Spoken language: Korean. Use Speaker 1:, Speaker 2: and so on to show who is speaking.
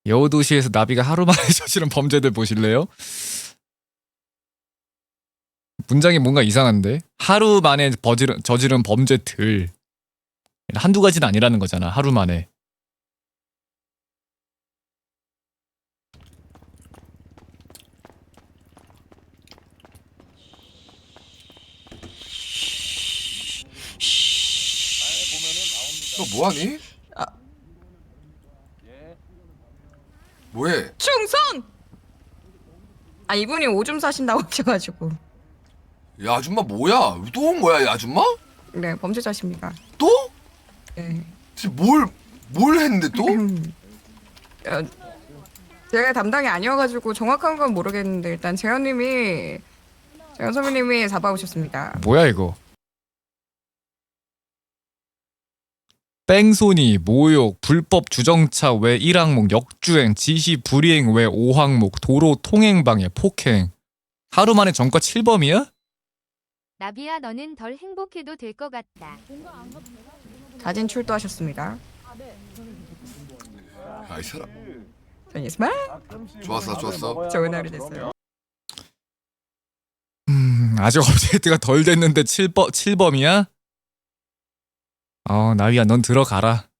Speaker 1: 여우도시에서 나비가 하루 만에 저지른 범죄들 보실래요? 문장이 뭔가 이상한데? 하루 만에 저지른 범죄들. 한두 가지는 아니라는 거잖아. 하루 만에.
Speaker 2: 너 뭐하니? 뭐해?
Speaker 3: 충성! 아 이분이 오줌 싸신다고 하셔가지고.
Speaker 2: 이 아줌마 뭐야? 또 온 거야 이 아줌마?
Speaker 3: 네 범죄자십니다.
Speaker 2: 또?
Speaker 3: 네.
Speaker 2: 지금 뭘 했는데 또?
Speaker 3: 어, 제가 담당이 아니어가지고 정확한 건 모르겠는데 일단 재현 선배님이 잡아오셨습니다.
Speaker 1: 뭐야 이거? 뺑소니, 모욕, 불법 주정차 외 1항목, 역주행, 지시 불이행 외 5항목, 도로 통행방해, 폭행. 하루 만에 전과 7범이야?
Speaker 4: 나비야 너는 덜 행복해도 될 것 같다.
Speaker 3: 자진 출두하셨습니다.
Speaker 2: 야 이 사람
Speaker 3: 전이스마
Speaker 2: 좋았어
Speaker 3: 좋은 하루 됐어요.
Speaker 1: 아직 업데이트가 덜 됐는데 7범이야? 나위야 넌 들어가라.